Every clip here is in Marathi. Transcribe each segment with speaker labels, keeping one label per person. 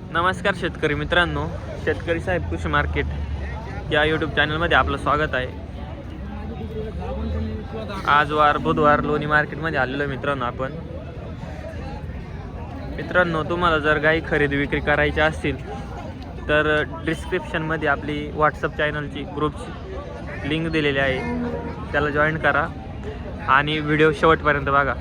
Speaker 1: नमस्कार शेतकरी मित्रांनो, शेतकरी साहेब कृषी मार्केट या यूट्यूब चॅनलमध्ये आपलं स्वागत आहे. आज वार बुधवार लोणी मार्केटमध्ये आलेलो आहे मित्रांनो. आपण मित्रांनो, तुम्हाला जर गाई खरेदी विक्री करायची असतील तर डिस्क्रिप्शनमध्ये आपली व्हॉट्सअप चॅनलची ग्रुपची लिंक दिलेली आहे, त्याला जॉईन करा आणि व्हिडिओ शेवटपर्यंत बघा.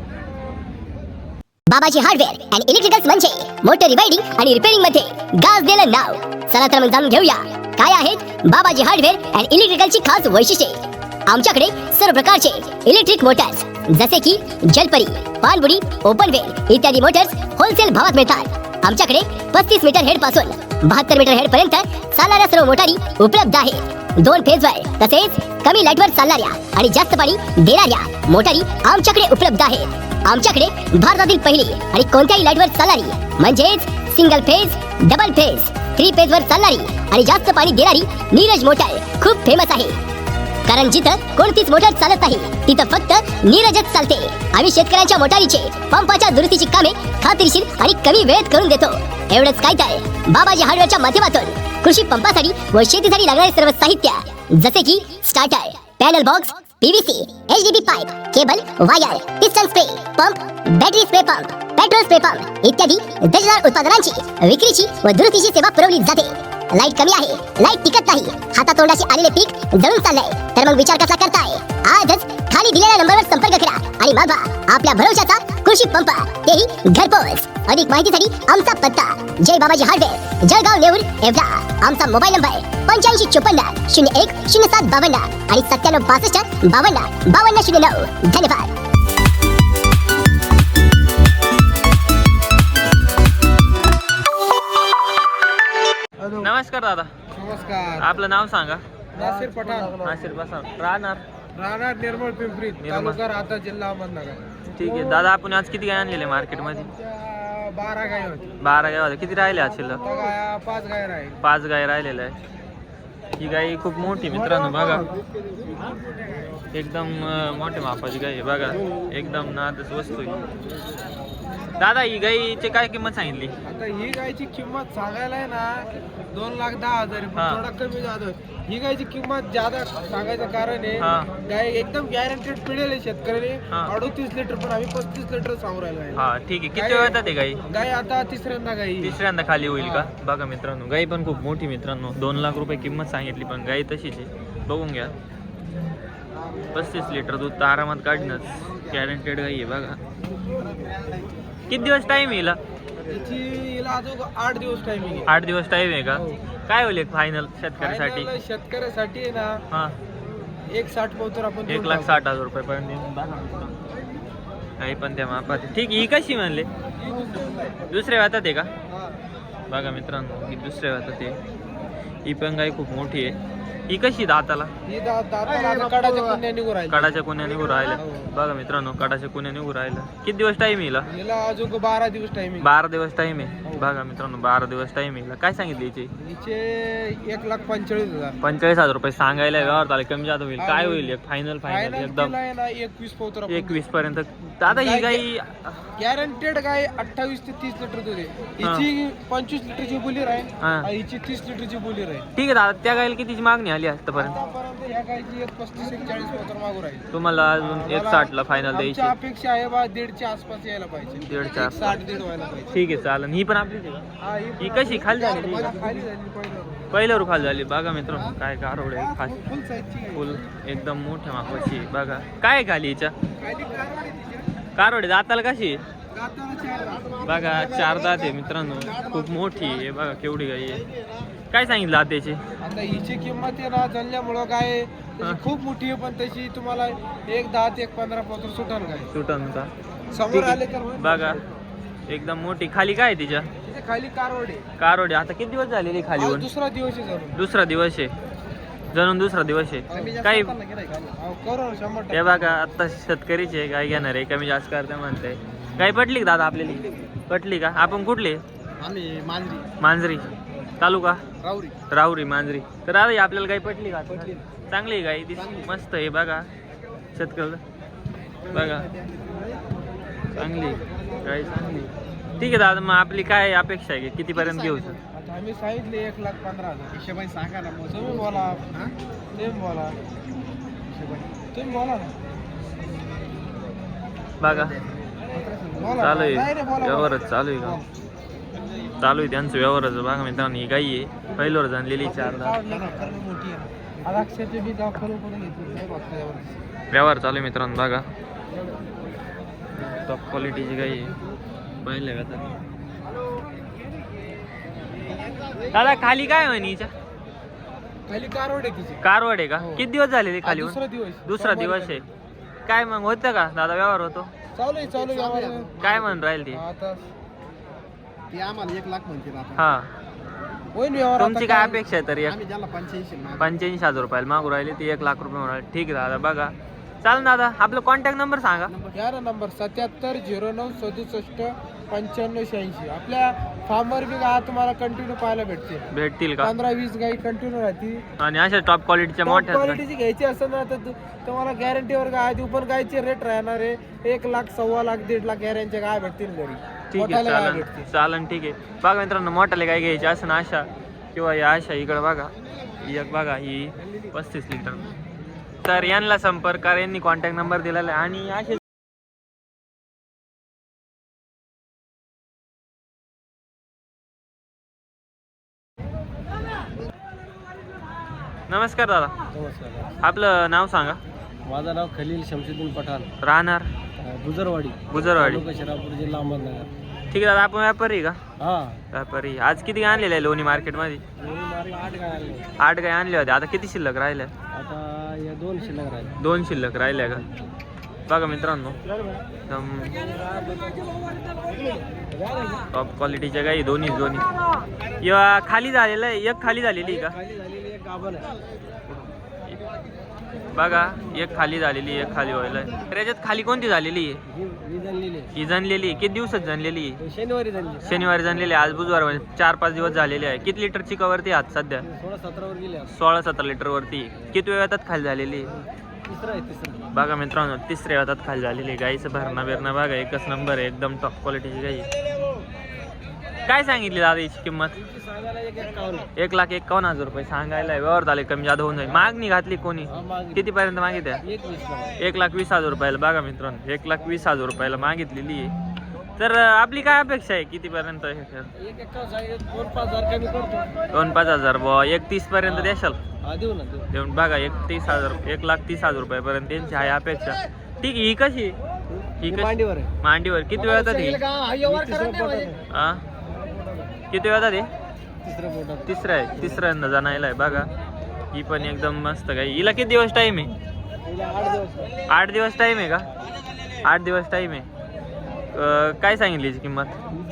Speaker 2: बाबाजी हार्डवेअर अँड इलेक्ट्रिकल्स म्हणजे मोटर रिवायडिंग आणि रिपेअरिंग मध्ये गाजलेलं नाव. चला तर मग जाणून घेऊया काय आहेत बाबाजी हार्डवेअर अँड इलेक्ट्रिकलची खास वैशिष्ट्ये. आमच्याकडे सर्व प्रकारचे इलेक्ट्रिक मोटर्स जसे की जलपरी, पाणबुडी, ओपन वेल इत्यादी मोटर्स होलसेल भावात मिळतात. आमच्याकडे 35 मीटर हेड पासून 72 मीटर हेड पर्यंत चालणाऱ्या सर्व मोटारी उपलब्ध आहेत. 2 फेजवर तसेच कमी लाईटवर चालणाऱ्या आणि जास्त पाणी देणाऱ्या मोटारी आमच्याकडे उपलब्ध आहेत. आमच्याकडे भारतातील पहिली आणि कोणत्याही लाईटवर चालणारी म्हणजेच सिंगल फेज, डबल फेज, 3 फेजवर चालणारी आणि जास्त पाणी देणारी नीरज मोटर खूप फेमस आहे. कारण जिथं कोणतीच मोटर चालत नाही तिथं फक्त नीरजच चालते. आम्ही शेतकऱ्यांच्या मोटारीचे पंपाच्या दुरुस्तीची कामे खात्रीशीर आणि कमी वेळेत करून देतो. एवढंच काय तर बाबाजी हार्डवेअरच्या माध्यमातून कृषी पंपासाठी व शेतीसाठी लागणारे सर्व साहित्य जसे की starter, panel box, PVC, HDPE pipe, cable, wire, piston spray pump, battery spray pump, petrol spray pump इत्यादी दर्जेदार उत्पादनांची विक्रीची व दुरुस्तीची सेवा पुरवली जाते. लाईट कमी आहे, लाईट टिकत नाही, हातातोंडाशी आलेले पीक जळून चाललंय तर मग विचार कसला करताय? आजच खाली दिलेल्या नंबरवर संपर्क करा आणि मागवा आपल्या भरोशाचा कृषी पंप, तेही घरपोच. अधिक माहितीसाठी आमचा पत्ता जय बाबाजी हार्डवेअर, जळगाव, नेऊर, एवढा. आमचा मोबाईल नंबर 8554 01 07 52 आणि 97 62 52 5209. धन्यवाद.
Speaker 1: नमस्कार दादा.
Speaker 3: नमस्कार.
Speaker 1: आपलं नाव सांगा.
Speaker 3: नासिर पठाण,
Speaker 1: नासिर पठाण. राहणार
Speaker 3: राहणार निर्मळ पिंपरी, तालुका राहता, जिल्हा अहमदनगर.
Speaker 1: ठीक आहे दादा. आपण आज किती गाय आणलेले मार्केटमध्ये?
Speaker 3: 12 गाय होती.
Speaker 1: 12 गाय होत्या. किती राहिले आज शिल्लक?
Speaker 3: आता गाया 5 गाय राहील.
Speaker 1: 5 गाय राहिलेल्या आहे. ही गाय खूप मोठी मित्रांनो, बघा एकदम मोठ्या मापाची गाय आहे. बघा एकदम नादच वस्तू आहे. दादा, ही गायची काय किंमत सांगितली?
Speaker 3: आता ही गायची किंमत सांगायला आहे ना 2,10,000 आहे, पण थोडा कमी जातो. ही गायची किंमत ज्यादा सांगायचं कारण आहे गाय एकदम गॅरंटेड पिढेल आहे शेतकऱ्याने. 38 लिटर पण आम्ही 35 लिटर सांगू राहिलो आहे.
Speaker 1: हा ठीक आहे. किती वेळ येतात गाई?
Speaker 3: गाय आता तिसऱ्यांदा गाई,
Speaker 1: तिसऱ्यांदा खाली होईल का? बघा मित्रांनो, गाई पण खूप मोठी मित्रांनो. 2 लाख रुपये किंमत सांगितली पण गाई तशीच आहे. बघून घ्या. 35 लिटर दूध तर आरामात काढणंच. गॅरंटेड गाई आहे. बघा किती दिवस टाइम येईल?
Speaker 3: हिला अजून 8 दिवस टाइमिंग आहे.
Speaker 1: 8 दिवस टाइम आहे का? काय होईल फायनल शेतकऱ्यासाठी?
Speaker 3: शेतकऱ्यासाठी आहे ना
Speaker 1: हा
Speaker 3: 1,60 पोतर आपण
Speaker 1: 1,60,000 रुपये पर्यंत. काही पण त्या मापात. ठीक आहे. ही कशी म्हणले? दुसऱ्या वातात आहे का? बघा मित्रांनो, ही दुसऱ्या वातात आहे. ही पण गाय खूप मोठी आहे. ही कशी दाताला?
Speaker 3: कडाच्या कुण्या निघू राहिल्या.
Speaker 1: कडाच्या कुण्या निघू राहिल्या. बघा मित्रांनो, कडाच्या कुण्या निघू राहिल्या. किती दिवस टाइम येईल?
Speaker 3: हिला अजून 12 दिवस टाइमिंग.
Speaker 1: 12 दिवस टाइम आहे. बघा मित्रांनो, 12 दिवस टाइम येईल. काय सांगितले हिचे?
Speaker 3: हिचे 1,45,000.
Speaker 1: 45,000 रुपये सांगायला व्यवहार झाले. कमी जास्त होईल. काय होईल एक फायनल एकदम?
Speaker 3: 21 पोतर
Speaker 1: 21 पर्यंत. दादा ही गाई
Speaker 3: गॅरंटेड गाय 28 ते 30 लिटर दूध आहे. हिची 25 लिटरची बोली राहील, हिची 30 लिटरची बोली राहील.
Speaker 1: ठीक आहे दादा. त्या गायला कितीची मागणी आली आतापर्यंत?
Speaker 3: आतापर्यंत ह्या गायची 35-40 पोतर मागू राहील.
Speaker 1: तुम्हाला अजून 1,60 ला फायनल द्यायची?
Speaker 3: आमची अपेक्षा आहे बा 1.5च्या आसपास यायला पाहिजे.
Speaker 1: 1.5च्या
Speaker 3: 60-1.5 व्हायला पाहिजे.
Speaker 1: ठीक आहे चालेल. ही पण आपलीच आहे का?
Speaker 3: हा,
Speaker 1: ही कशी खाली झाली?
Speaker 3: खाली झाली पहिलं.
Speaker 1: पहिल्यावर खाली झाली. बघा मित्रांनो, काय कारोड आहे.
Speaker 3: फुल साईजची गाय.
Speaker 1: फुल एकदम मोठ्या मापाची. बघा काय खाली हिच्या?
Speaker 3: खाली कारवाड आहे तिच्या.
Speaker 1: कारोड दाताला कशी आहे?
Speaker 3: दाताला 4 दात.
Speaker 1: बघा 4 दात आहे मित्रांनो. खूप मोठी आहे. बघा केवढी गाई आहे. काय सांगितलं त्याची?
Speaker 3: आता हिची किंमत आहे ना जणल्यामुळं काय तशी खूप मोठी आहे, पण तशी तुम्हाला 1,10 ते 1,15 पोतर सुटल काय
Speaker 1: सुटन का?
Speaker 3: समोर आले तर होईल.
Speaker 1: बघा एकदम मोठी. खाली काय आहे तिच्या?
Speaker 3: तिथे खाली कारवड आहे.
Speaker 1: कारोड आहे. आता किती दिवस झालेली खाली
Speaker 3: आज
Speaker 1: होऊन?
Speaker 3: दुसरा दिवस आहे जणू.
Speaker 1: दुसरा दिवस आहे. जणून दुसरा दिवस आहे. काही
Speaker 3: करू 100%.
Speaker 1: हे बघा आता शेतकरीचे गाय घेणार आहे. कमी जास्त करते म्हणते. गाय पटली का दादा आपल्याला? पटली का? आपण कुठले?
Speaker 3: आम्ही मांजरी,
Speaker 1: मांजरी तालुका
Speaker 3: राऊरी.
Speaker 1: राहुरी मांजरी. तर दादा आपल्याला गाय पटली का? चांगली गाय मस्त आहे. बघा शेतकरी बघा चांगली गाय चांगली. ठीक आहे दादा, मग आपली काय अपेक्षा आहे की कितीपर्यंत घेऊ सर?
Speaker 3: आता आम्ही सांगितले 1,15,000 हिशोबाने सांगा ना. मग तुम्ही बोला. तुम्ही बोला ना.
Speaker 1: बघा
Speaker 3: बोला.
Speaker 1: चालू आहे
Speaker 3: नाही रे, बोला.
Speaker 1: व्यवहारच चालू आहे का? चालू आहे त्यांचं व्यवहाराचं. बघा मित्रांनो, ही गाई आहे पहिल्यावर जाणलेली 4 दात.
Speaker 3: मोठी आहे. आता अक्षरशः बी गाव करून घेतली नाही बघता यावर.
Speaker 1: व्यवहार चालू आहे मित्रांनो. बघा टॉप क्वालिटीची गाई आहे पहिल्या व्यवहार. दादा खाली काय म्हणे हिच्या?
Speaker 3: खाली कारवड आहे तिची.
Speaker 1: कारवड आहे का?
Speaker 3: हो.
Speaker 1: किती दिवस झाले खाली होऊन? दुसरा
Speaker 3: सोमवारी
Speaker 1: दिवस आहे. काय मग होतं का दादा व्यवहार होतो?
Speaker 3: चालू आहे यावर.
Speaker 1: काय म्हणून राहील ती?
Speaker 3: आता ती आम्हाला 1,00,000 म्हणते आता.
Speaker 1: हा,
Speaker 3: होईल व्यवहार.
Speaker 1: तुमची काय अपेक्षा आहे तरी?
Speaker 3: आम्ही ज्याला 85
Speaker 1: 85,000 रुपयाला मागू राहिले ती 1,00,000 रुपये म्हणून राहिले. ठीक आहे दादा. बघा चालेल दादा, आपलं कॉन्टॅक्ट नंबर सांगा.
Speaker 3: यार नंबर 77 09 67 95 86. आपल्या फार्मवर बी गाय तुम्हाला कंटिन्यू पाहायला भेटते.
Speaker 1: भेटतील का?
Speaker 3: 15-20 गाई कंटिन्यू राहते.
Speaker 1: आणि अशा टॉप क्वालिटीच्या मोठ्या
Speaker 3: क्वालिटीची घ्यायची असेल ना तर तुम्हाला गॅरंटीवर गाय देऊ. पण गायचे रेट राहणार आहे 1,00,000 1,15,000 1,50,000 गॅरंटीच्या गाय भेटतील घरी.
Speaker 1: ठीक आहे.
Speaker 3: मोठ्याला गाय
Speaker 1: चालन
Speaker 3: भेटते.
Speaker 1: चालन ठीक आहे. बघा मित्रांनो, मोठ्याला काय घ्यायची असं ना अशा किंवा या अशा इकडं बघा ही एक बघा ही 35 लिटर. तर यांना संपर्क करा, यांनी कॉन्टॅक्ट नंबर दिलेला आहे. आणि असे नमस्कार दादा,
Speaker 3: नमस्कार.
Speaker 1: आपलं नाव सांगा.
Speaker 3: माझं नाव खलील शमशुद्दीन पठाण,
Speaker 1: राहणार
Speaker 3: गुजरवाडी
Speaker 1: गुजरवाडी.
Speaker 3: शिरापूर जिल्हा अहमदनगर.
Speaker 1: ठीक आहे दादा, आपण व्यापारी का?
Speaker 3: हा.
Speaker 1: व्यापारी. आज किती गाय आणलेले आहे लोणी मार्केटमध्ये?
Speaker 3: 8 गाय आणले.
Speaker 1: 8 गाय आणल्या होत्या. आता किती शिल्लक राहिल्या?
Speaker 3: आता या 2 शिल्लक राहिले.
Speaker 1: 2 शिल्लक राहिल्या का? बघा मित्रांनो, एकदम टॉप क्वालिटीच्या गाई दोन्ही. किंवा खाली झालेलं आहे, एक खाली झालेली का?
Speaker 3: खाली झालेली एक गाभण आहे.
Speaker 1: बघा एक खाली झालेली, एक खाली व्हायला. त्याच्यात खाली कोणती झालेली आहे?
Speaker 3: ही जनलेली आहे.
Speaker 1: ही जनलेली आहे. किती दिवसात जनलेली आहे?
Speaker 3: शनिवारी जनली.
Speaker 1: शनिवारी जनलेली आहे. आज बुधवार, 4-5 दिवस झालेले आहे. किती लिटरची कवरती आज सध्या?
Speaker 3: 16-17 वर गेली.
Speaker 1: 16-17 लिटरवरती. किती वेळात खाली झालेली आहे?
Speaker 3: तिसरा.
Speaker 1: बघा मित्रांनो, 3ऱ्या वेळात खाली झालेली आहे. गाईचं भरणा बिरणा बघा एकच नंबर आहे. एकदम टॉप क्वालिटीची गाई. काय सांगितली दादा हिची किंमत?
Speaker 3: सांगायला 1,51.
Speaker 1: 1,51,000 रुपये सांगायला. व्यवहार झाले कमी जादा होऊन जाईल. मागणी घातली कोणी? कितीपर्यंत मागितल्या? 1,20,000 रुपयाला. बघा मित्रांनो, 1,20,000 रुपयाला मागितलेली आहे. तर आपली काय अपेक्षा आहे कितीपर्यंत?
Speaker 3: 2,500 कमी करतो.
Speaker 1: 2-5,000 बुवा. 31 पर्यंत द्याल?
Speaker 3: देऊ ना.
Speaker 1: देऊन बघा 1,30,000 रुपयापर्यंत त्यांची आहे अपेक्षा. ठीक आहे. ही कशी? ही कशी?
Speaker 3: मांडीवर आहे.
Speaker 1: मांडीवर. किती वेळात आहे? हा, किती वेळात आहे? तिसरा आहे. तिसऱ्यांदा जाणायला आहे. बघा ही पण एकदम मस्त गाई. हिला किती दिवस टाइम आहे? 8 दिवस टाइम आहे का? 8 दिवस टाइम आहे. काय सांगितली हिची किंमत?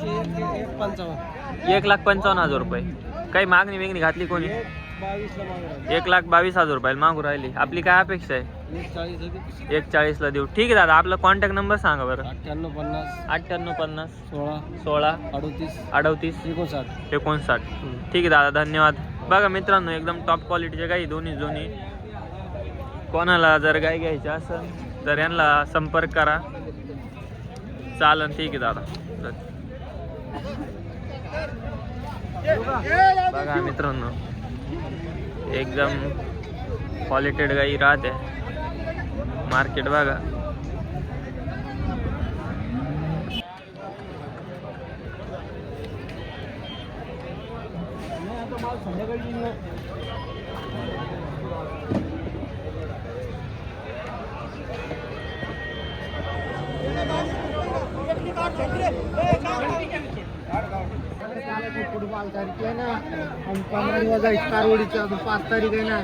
Speaker 1: 1,55,000 रुपये. काही मागणी वेगणी घातली कोणी? 1,22,000 रुपयाला मागू राहिली. आपली काय अपेक्षा आहे? 1,40,000 देऊ. ठीक आहे दादा, आपला कॉन्टॅक्ट नंबर सांगा बरं. 9850 16 38 59. ठीक आहे दादा, धन्यवाद. बघा मित्रांनो, एकदम टॉप क्वालिटीच्या गाई दोन्ही. कोणाला जर गाय घ्यायची असेल तर यांना संपर्क करा. चालन. ठीक आहे दादा. बघा मित्रांनो, एकदम क्वालिटेड गाई राहते. मार्केट बघा.
Speaker 3: फुटबॉल तारीख आहे ना. 15 दिवस आहे कारवडीची. अजून 5 तारीख आहे ना.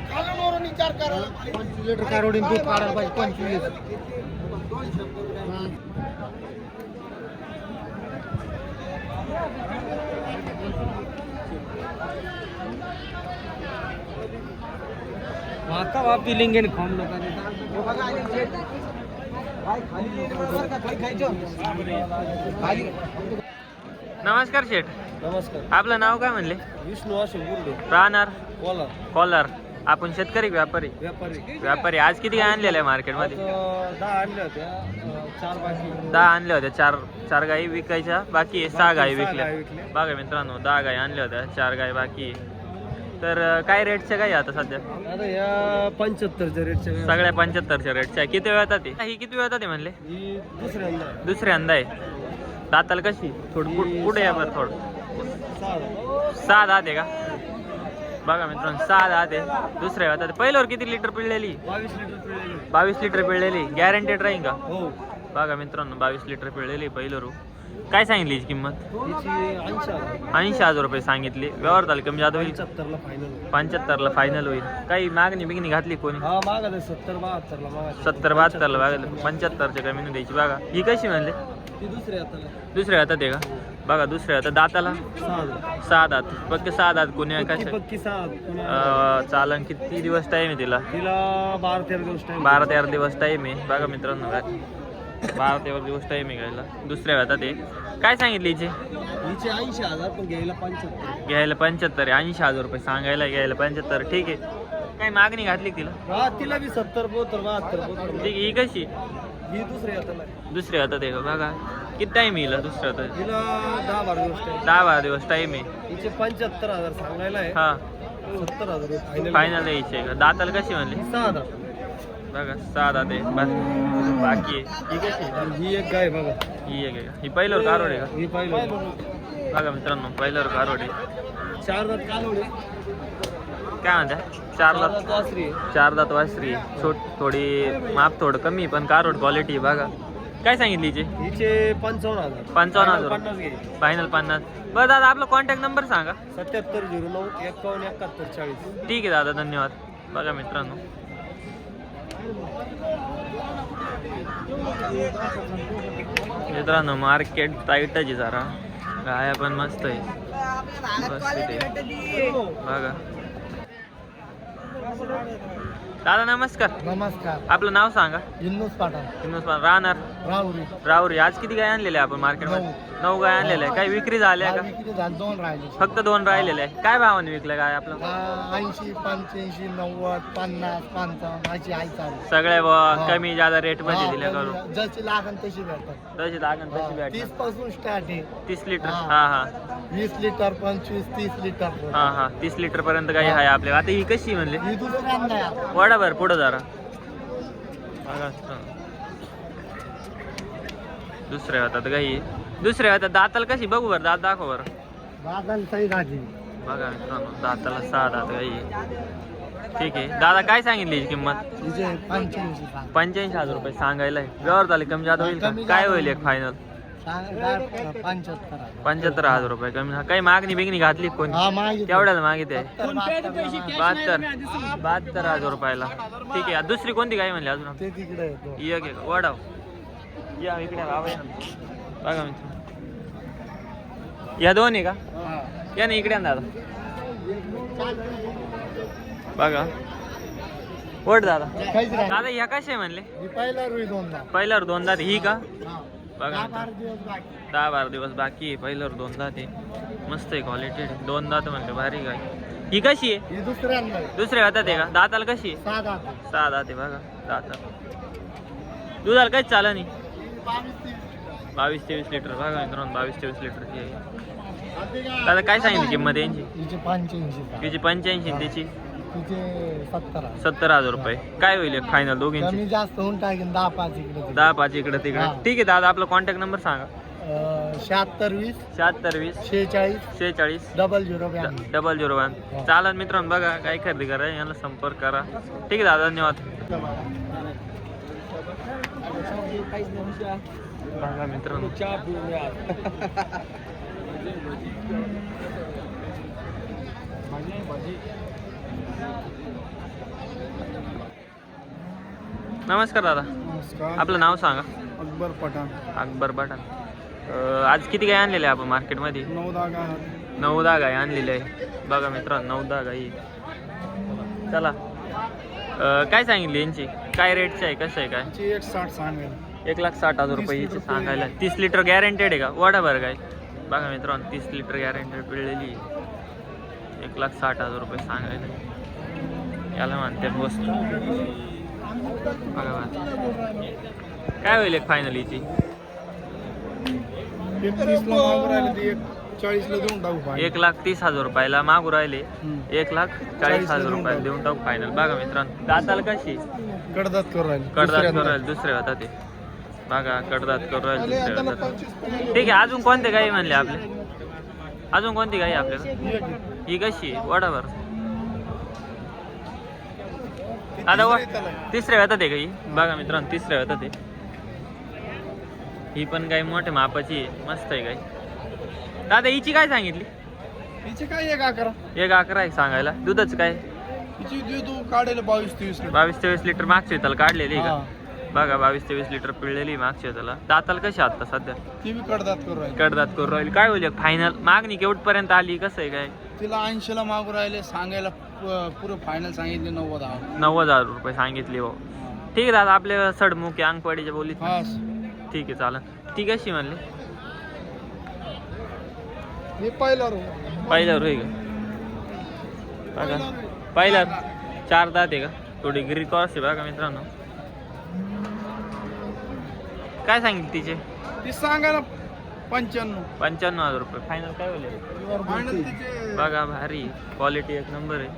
Speaker 3: 25 लिटर कारवडी दूध काढायला पाहिजे. 25. आता वापी लिंगेन खाऊन लोकांनी.
Speaker 1: नमस्कार शेठ,
Speaker 3: नमस्कार.
Speaker 1: आपलं नाव काय म्हणले?
Speaker 3: विष्णू अशोक गुरडे,
Speaker 1: राहणार
Speaker 3: कोलार.
Speaker 1: कॉलर. आपण शेतकरी व्यापारी
Speaker 3: व्यापारी
Speaker 1: व्यापारी आज किती गाय आणलेल्या आहे मार्केटमध्ये?
Speaker 3: 10 आणल्या होत्या, 4 बाकी.
Speaker 1: 10 आणल्या होत्या, चार गायी विकायच्या बाकी आहे, 6 गायी
Speaker 3: सहा
Speaker 1: विकल्या.
Speaker 3: गायी विकल्या.
Speaker 1: बघा मित्रांनो 10 गायी आणल्या होत्या, 4 गायी बाकी आहे. तर काय रेटच्या गायी आता सध्या?
Speaker 3: आता या 75च्या रेटच्या गायी.
Speaker 1: सगळ्या 75च्या रेटच्या आहे. किती वेळ येतात ते? ही किती वेळ येतात ते म्हणले?
Speaker 3: ही दुसऱ्यांदा आहे.
Speaker 1: दुसऱ्यांदा आहे. दाताला कशी? थोडं पुढे या बरं थोडं. 6 दात आहे का? बघा मित्रांनो 6 दात आहे. दुसऱ्या वेळात पहिल्यावर किती लिटर पिळलेली?
Speaker 3: 22 लिटर पिळलेली.
Speaker 1: 22 लिटर पिळलेली. गॅरंटेड राहील का?
Speaker 3: हो.
Speaker 1: बघा मित्रांनो 22 लिटर पिळलेली पहिल्यावर. काय सांगितली हिची किंमत?
Speaker 3: हिची 80,000.
Speaker 1: 80,000 रुपये सांगितली. व्यवहार झाले कमी जादा होईल?
Speaker 3: 75ला फायनल.
Speaker 1: 75ला फायनल होईल. काही मागणी बिगणी घातली कोणी?
Speaker 3: हा मागा 70-72ला मागा.
Speaker 1: 70-72ला बघा 75च्या कमी नाही द्यायची. बघा ही कशी म्हणले?
Speaker 3: ती दुसऱ्या हाताला.
Speaker 1: दुसऱ्या हातात आहे का? बघा दुसऱ्या हातात. दाताला 6 दात. फक्त 6 दात. कोणी
Speaker 3: पक्की
Speaker 1: काय
Speaker 3: पक्की 6.
Speaker 1: चालन. किती दिवस टाईम आहे तिला?
Speaker 3: तिला 12-13 दिवस टाइम.
Speaker 1: 12-13 दिवस टाईम आहे. बघा मित्रांनो 12-13 दिवस टाईम आहे घ्यायला. दुसऱ्या हातात आहे. काय सांगितली हिची?
Speaker 3: हिचे 80,000 पण घ्यायला 75.
Speaker 1: घ्यायला 75 आहे. 80,000 रुपये सांगायला, घ्यायला 75. ठीक आहे. काही मागणी घातली का तिला?
Speaker 3: हा तिला बी 70-72.
Speaker 1: ठीक आहे. ही कशी?
Speaker 3: ही दुसऱ्या हाताला.
Speaker 1: दुसऱ्या हातात आहे का? बघा किती टाईम येईल दुसऱ्या हातात?
Speaker 3: तिला 10-12 दिवस टाइम.
Speaker 1: 10-12 दिवस टाईम आहे.
Speaker 3: हिचे 75,000 सांगायला आहे.
Speaker 1: हा
Speaker 3: 70,000 फायनल.
Speaker 1: फायनल द्यायची आहे का? दाताला कशी म्हणली?
Speaker 3: 6,000.
Speaker 1: बघा 6 दात आहे. बाकी आहे. ही कशी?
Speaker 3: ही एक गाय बघा.
Speaker 1: ही एक आहे का? ही पहिल्यावर कारोड आहे का?
Speaker 3: ही पाहिलं.
Speaker 1: बघा मित्रांनो पहिल्यावर कारोड आहे.
Speaker 3: 4 दात कालोडी.
Speaker 1: काय म्हणता? 4 दात.
Speaker 3: वासरी आहे.
Speaker 1: 4 दात वासरी. थोडी माप थोडं कमी पण कारोड क्वालिटी. बघा काय सांगितली हिची?
Speaker 3: हिचे 55,000.
Speaker 1: 55,000.
Speaker 3: 50 घ्यायचे.
Speaker 1: फायनल 50. बरं दादा आपला कॉन्टॅक्ट नंबर सांगा.
Speaker 3: 7709 51 71 40.
Speaker 1: ठीक आहे दादा धन्यवाद. बघा मित्रांनो मार्केट टाईटच आहे जरा. गाया पण मस्त आहे. बघा दादा नमस्कार.
Speaker 3: नमस्कार.
Speaker 1: आपलं नाव सांगा.
Speaker 3: युनुस पाटण.
Speaker 1: राहणार
Speaker 3: राहुरी.
Speaker 1: राहुरी. आज किती गाय आणलेल्या आपण मार्केटमध्ये? 9 गाय आणलेल्या आहे. काही विक्री झाल्या का?
Speaker 3: विक्री झाली 2 राहिले.
Speaker 1: फक्त 2 राहिलेल्या आहे. काय भावाने विकल्या गाय आपलं?
Speaker 3: 80 85 90 50 55 अशी आहे चालू.
Speaker 1: सगळ्या कमी जादा रेट मध्ये दिल्या करून?
Speaker 3: जशी लागन तशी भेटतात.
Speaker 1: तशी लागण तशी
Speaker 3: 30
Speaker 1: भेटणार.
Speaker 3: पासून स्टार्ट आहे.
Speaker 1: 30 लिटर.
Speaker 3: हा.
Speaker 1: हा
Speaker 3: 20 लिटर 25 30 लिटर.
Speaker 1: हा 30 लिटर पर्यंत गाई आहे आपल्या. आता ही कशी म्हणले?
Speaker 3: ही दुसऱ्यांदा आहे.
Speaker 1: वडा भर पुढं जरा. दुसऱ्या हातात गाई. दुसऱ्या हातात दाताला कशी? बघू बरं दात दाखव बरं.
Speaker 3: बादल सही राजी.
Speaker 1: बघा मित्रांनो दाताला 6 दात गाई आहे. ठीक आहे दादा काय सांगितली हिची किंमत?
Speaker 3: हिचे 85 सांग.
Speaker 1: 85,000 रुपये सांगायला आहे. व्यवहार झाले कमी जादा होईल का?
Speaker 3: कमी
Speaker 1: काय
Speaker 3: जादा
Speaker 1: होईल एक
Speaker 3: होईल.
Speaker 1: फायनल?
Speaker 3: 75.
Speaker 1: 75,000 रुपये कमी. काही मागणी बिगणी घातली कोणी?
Speaker 3: हा मागितलं.
Speaker 1: केवढ्याला मागितली आहे?
Speaker 3: 72.
Speaker 1: 72,000 रुपयाला. ठीक आहे. दुसरी कोणती गाय म्हणली अजून?
Speaker 3: ते तिकडे येतो.
Speaker 1: एक एक वडाव या इकडे बाबा या. बघा मित्र या 2 आहे का? या ना इकडे आण दादा. बघा वड दादा.
Speaker 3: काहीच नाही.
Speaker 1: दादा ह्या कशा आहे म्हणले?
Speaker 3: ही पहिला रुई 2दा.
Speaker 1: पहिल्यावर 2 दात. ही का? बघा
Speaker 3: 10-12 दिवस बाकी.
Speaker 1: 10-12 दिवस बाकी आहे. पहिल्यावर 2 दात आहे. मस्त आहे क्वालिटी. 2 दात म्हणले भारी गाय. ही कशी आहे?
Speaker 3: ही दुसऱ्यांदा आहे.
Speaker 1: दुसऱ्या हातात आहे का? दाताला कशी आहे?
Speaker 3: 6 दात.
Speaker 1: 6 दात आहे. बघा दाताला दुधाला काहीच चालं नाही. 22-23 लिटर. बघा मित्रांनो 22-23 लिटरची आहे. दादा काय सांगितली किंमत यांची?
Speaker 3: हिचे 85.
Speaker 1: तिची 85 त्याची
Speaker 3: तिचे 70.
Speaker 1: 70,000 रुपये. काय होईल फायनल दोघींची?
Speaker 3: कमी जास्त होऊन टाकेन 10-5 इकडे.
Speaker 1: 10-5 इकडे तिकडे.
Speaker 3: हा.
Speaker 1: ठीक आहे दादा आपला कॉन्टॅक्ट नंबर सांगा.
Speaker 3: 76
Speaker 1: 76 20
Speaker 3: 46
Speaker 1: 46
Speaker 3: 00
Speaker 1: 001. चालन मित्रांनो बघा काय खरेदी करा याला संपर्क करा. ठीक आहे दादा धन्यवाद. बघा मित्रांनो नमस्कार दादा
Speaker 3: नमस्कार.
Speaker 1: आपलं नाव सांगा.
Speaker 3: अकबर पठाण.
Speaker 1: अकबर पठाण. आज किती गाय आणलेल्या आहे आपण मार्केटमध्ये?
Speaker 3: 9-10 गाय.
Speaker 1: 9-10 गाय आणलेल्या आहे. बघा मित्रांनो 9-10 गाई. चला काय सांगितली यांची? काय रेटची आहे? कसं आहे काय?
Speaker 3: 160 सांगेल.
Speaker 1: 1,60,000 रुपये हिची सांगायला. 30 लिटर गॅरंटेड आहे का? वडा बरं काय. बघा मित्रांनो 30 लिटर गॅरंटेड पिळलेली. 1,60,000 रुपये सांगायला. याला म्हणते वस्तू बघा बघा. काय होईल एक फायनल हिची?
Speaker 3: 31ला मागून राहिले ते 40ला देऊन टाकू
Speaker 1: 1,30,000 रुपयाला मागू राहिले. 1,40,000 रुपयाला देऊन टाकू फायनल. बघा मित्रांनो दाताला कशी
Speaker 3: कडदात करू राहिले
Speaker 1: कडदात करू राहिले दुसरे होता ते बघा कडदात करू राहिले दुसरे होता. ठीक आहे अजून कोणते गाई म्हणले आपले? अजून कोणती गाई आपल्याला? ही कशी वडावर आता तिसऱ्या वेळात आहे का ही? बघा मित्रांनो तिसऱ्या वेळात आहे. ही पण गाय मोठ्या मापाची आहे मस्त आहे गाय. दादा हिची काय सांगितली?
Speaker 3: हिचे काय 1-11
Speaker 1: 1-11 आहे सांगायला. दूधच काय?
Speaker 3: हिची दूध काढायला 22-23
Speaker 1: 22-23 लिटर मागच्या त्याला काढलेली आहे का? बघा 22-23 लिटर पिळलेली मागच्या त्याला. दाताला कशी आता सध्या?
Speaker 3: ती बी कडदात करू राहिले.
Speaker 1: कडदात करू राहील. काय होईल फायनल? मागणी केवढपर्यंत आली? कसं आहे काय?
Speaker 3: तिला 80ला मागू राहिले सांगायला पुरं फायनल सांगितले
Speaker 1: 90,000 रुपये सांगितले हो. ठीक आहे दादा आपले सडमुख अंगवाडीच्या बोलीत.
Speaker 3: हा
Speaker 1: ठीक आहे चालेल. ती कशी म्हणली?
Speaker 3: मी पहिला
Speaker 1: पहिल्यावर होई का? बघा पहिल्या 4 दात आहे का? थोडी गिरी क्रॉस आहे बघा मित्रांनो. काय सांगितलं तिचे?
Speaker 3: ती सांगायला
Speaker 1: 95,000 रुपये फायनल. काय होईल?
Speaker 3: फायनल तिचे
Speaker 1: बघा भारी क्वालिटी एक नंबर आहे.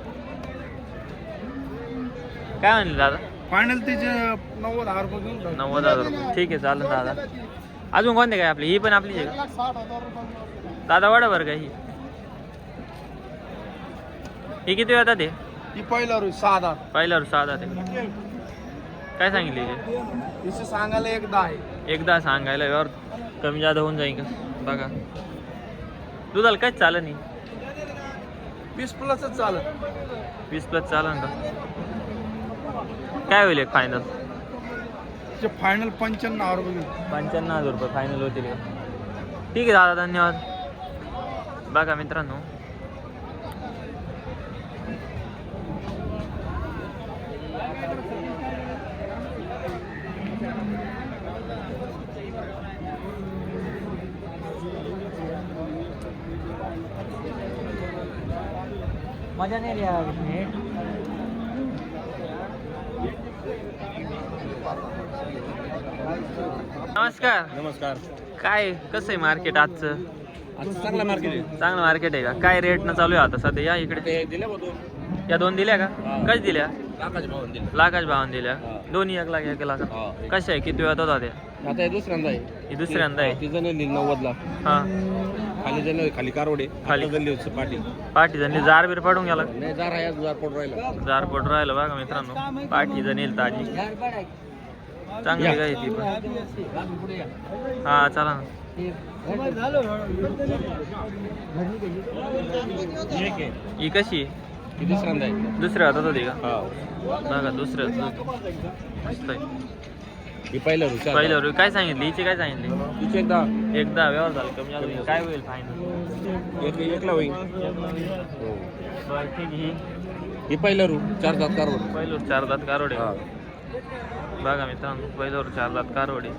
Speaker 1: काय म्हणले दादा?
Speaker 3: फायनल तिचे 90,000 रुपये घेऊन टाक.
Speaker 1: 90,000 रुपये. ठीक आहे चालेल दादा. अजून कोणते काय आपली? ही पण आपलीच आहे का?
Speaker 3: 1,60,000 रुपये.
Speaker 1: दादा वडा बरं का ही? ही किती वेळात आहे?
Speaker 3: ती पहिला 6,000.
Speaker 1: पहिल्यावर 6 दात आहे. काय सांगितली हिची?
Speaker 3: तिचे सांगायला 1,10 आहे.
Speaker 1: एकदा सांगायला यावर कमी जादा होऊन जाईल का? बघा दुधाला काहीच चालत नाही.
Speaker 3: 20+ चालत.
Speaker 1: 20+ चालन का? काय होईल एक फायनल?
Speaker 3: तिचे फायनल 95,000 रुपये घेऊन.
Speaker 1: 95,000 रुपये फायनल होतील का? ठीक आहे दादा धन्यवाद. बघा मित्रांनो मजा नाही लिया. नमस्कार. काय कसं आहे मार्केट आजचं?
Speaker 3: चांगला मार्केट आहे.
Speaker 1: चांगलं मार्केट आहे का? काय रेटनं चालू आहे आता सध्या? या इकडे या 2 दिल्या का? कशी दिल्या? लाखाच्या भावाने दिल्या. दोन्ही 1 लाख 1 लाख. कशा आहे? किती वेळात होता त्या?
Speaker 3: आता हे दुसऱ्यांदा आहे.
Speaker 1: ही दुसऱ्यांदा आहे.
Speaker 3: ती जण 90ला.
Speaker 1: हा
Speaker 3: खाली जण खाली कारवडे
Speaker 1: खाली
Speaker 3: जणली पाठी
Speaker 1: पाठी जणी जार बीर पाडून गेला.
Speaker 3: नाही जार आहे जार पड राहिला.
Speaker 1: जार पड राहिलं बघा मित्रांनो. पाठी जणेल ताजी चांगली गाय ती पण. हा चला ना. ही कशी?
Speaker 3: ती दुसऱ्यांदा आहे.
Speaker 1: दुसऱ्या हातात होती का? बघा दुसऱ्या मस्त आहे.
Speaker 3: ही पहिल्या रुचा
Speaker 1: पहिल्यावर काय सांगितली? हिची काय सांगितली?
Speaker 3: तिचे
Speaker 1: एकदा व्यवहार झाला कमी जास्त होईल. काय होईल फायनल?
Speaker 3: एकला होईल.
Speaker 1: बरं ठीक आहे.
Speaker 3: ही पहिल्या रू 4 दात कारवड.
Speaker 1: पहिलं 4 दात कारोडे बघा मित्रांनो. पहिल्यावर 4 दात कारोडे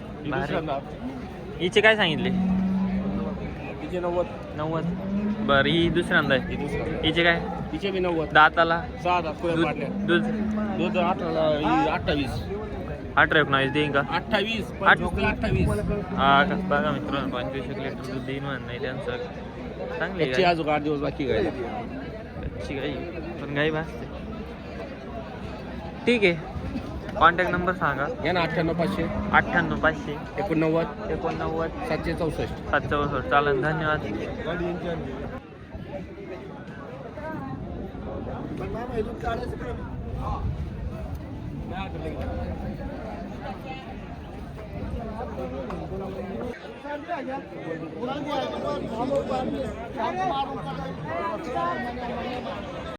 Speaker 1: हिचे काय सांगितले?
Speaker 3: तिचे 90.
Speaker 1: बरं ही दुसऱ्यांदा आहे.
Speaker 3: ही दुसरा.
Speaker 1: हिचे काय?
Speaker 3: तिचे बी 90.
Speaker 1: दाताला
Speaker 3: 6 दात पुढे पाडल्या.
Speaker 1: दूध
Speaker 3: दूध 28.
Speaker 1: 18-19 देईन का?
Speaker 3: 28. 28.
Speaker 1: हा का? बघा मित्रांनो 25 लिटर दूध देईन म्हण नाही त्यांचं. चांगली
Speaker 3: त्याची
Speaker 1: गाय.
Speaker 3: अजून 8 दिवस बाकी गायला.
Speaker 1: कच्ची गाई पण गाई भासते. ठीक आहे. कॉन्टॅक्ट नंबर सांगा.
Speaker 3: या ना 98 500
Speaker 1: 98 500
Speaker 3: 89
Speaker 1: 89
Speaker 3: 764.
Speaker 1: 764. चालेल धन्यवाद.